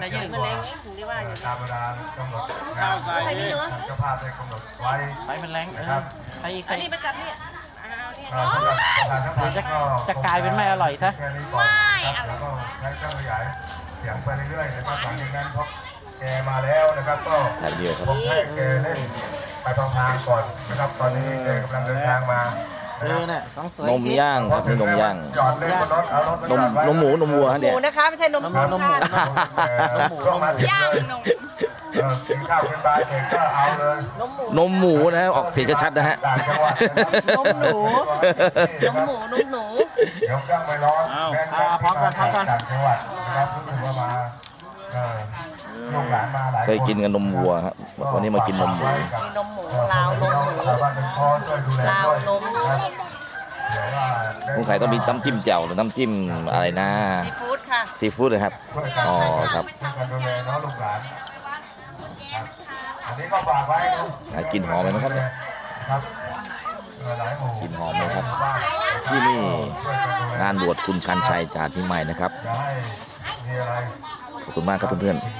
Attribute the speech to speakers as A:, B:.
A: นะยืน
B: มันแรงถึงได้ว่าอยู่
C: ตามเวลากำหนด
D: ข้าวใส่
B: ใส่นี่เนาะ
C: เจ้าภาพได้กำหนดไว้
A: ไปมันแรง
C: นะครับ
A: ใครอีก
B: อันนี้ประจำเนี่ยเอาเนี่ย
C: สำหรับประชาสัมพันธ์ก็
A: จะกลายเป็นไม่อร่อยซะ
C: แค่นี้ก่อนนะครับแล้วก็ใช้เครื่องขยายเสียงไปเรื่อยๆนะครับหลังจากนั้นพอแกมาแล้วนะครับก็
E: ถ่ายวิดีโอครับ
C: ผมให้แกเล่นไปทางก่อนนะครับตอนนี้แกกำลังเดินทางมา
A: เนี่ยต้องสวย
E: นมย่างครับนี่นมย่าง
C: จอดเล่นบนรถเอารถ
E: นมนมหมูนมวัวฮะ
B: ห
E: เนี่
B: มู
E: ย
B: นะคะไม่ใช่นมหมูค่ะ
C: ย่างนมกินข้าวกินปลาเสร็จก็เอาเลย
B: นมหมู
E: นมหมูนะฮะออกเสียงชัดๆนะฮะ
C: ต่างจังหวัด
B: นมหนูนมหมูนมหนู
C: เดี๋ยวเครื่องไม่ร้อนแม่พร้อมกันต่างจังหวัดนะครับรู้สึกว่ามาลูกหลานมาหลาย
E: เคยกินกันนมวัวครับวันนี้มากินนมหมู
B: มีนมหมูลาวนมหมู
C: ชาวบ้านเป็นพ่อช่วยดูแล
B: ลาว
C: ด้วย
B: นม
C: นะเดี๋ยวว่า
E: สงสัยต้องมีน้ำจิ้มแจ่วหรือน้ำจิ้มอะไรนะ
B: ซีฟู้ดค่ะ
E: ซีฟู้ดเลยครับ
C: ช่วยกัน
E: อ๋อครับ
C: ช่วยกันดูแลน้องลูกหลานครับอันนี้ก็ฝากไว้นะ
E: หากินหอมไหมนะครับเนี่ย
C: ครับหลายหมู่
E: กินหอมไหมครับ ที่นี่งานบวชคุณชันชัยจากเชียงใหม่นะครับ
C: อย่าให้มีอะไร
E: ขอบคุณมากครับเพื่อนๆ